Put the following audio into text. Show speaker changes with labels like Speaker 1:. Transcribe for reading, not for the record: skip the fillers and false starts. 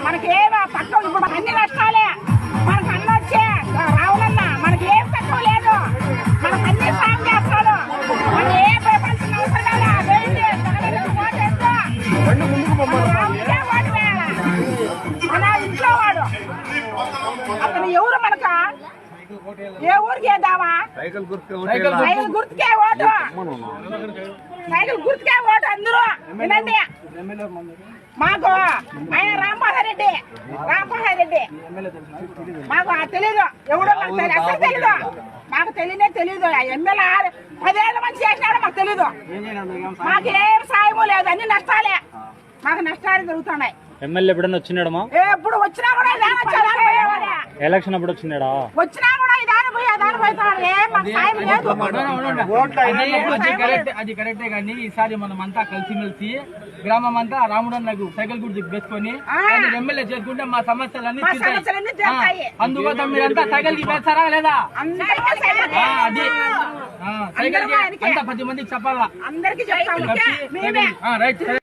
Speaker 1: మనకి ఏమో తక్కువ. ఇప్పుడు అన్ని నష్టాలే. మనకు అన్న వచ్చే రావులన్నా మనకి ఏం తక్కువ లేదు. మనకు అన్ని సాయం చేస్తాడు. మనం ఏ భయపడాల్సిన అవసరం లేదా. మన ఇంట్లో వాడు అతను ఎవరు మనక ఏ ఊరికి ఏదావా సైకిల్ గుర్తుకే ఓటు. సైకిల్ గుర్తుకే ఓటు అందరూ వినండి. మాకు ఆయన రాంప్రసాద్ రెడ్డి మాకు తెలీదు. ఎవడో మాకు అసలు తెలీదు. మాకు తెలీదు. ఎమ్మెల్యే 10 ఏళ్ళ మంది చేసినాడో మాకు తెలీదు. మాకు ఏం సాయము లేదు. అన్ని నష్టాలే. మాకు నష్టాలు జరుగుతున్నాయి.
Speaker 2: ఎమ్మెల్యే ఎప్పుడన్నా వచ్చినాడమ్మా?
Speaker 1: ఎప్పుడు వచ్చినా కూడా
Speaker 2: ఎలక్షన్ అప్పుడు వచ్చినాడా?
Speaker 1: వచ్చినా కూడా
Speaker 3: అది కరెక్టే కానీ ఈసారి మనం అంతా కలిసిమెలిసి గ్రామం అంతా రాముడు నాకు సైకిల్ గుర్తు పెట్టుకొని ఎమ్మెల్యే చేసుకుంటే మా సమస్యలన్నీ అందుకోసం మీరంతా సైకిల్ కి వేస్తారా లేదా? అది సైకిల్ కి అంతా 10 మందికి చెప్పాలా.
Speaker 1: అందరికి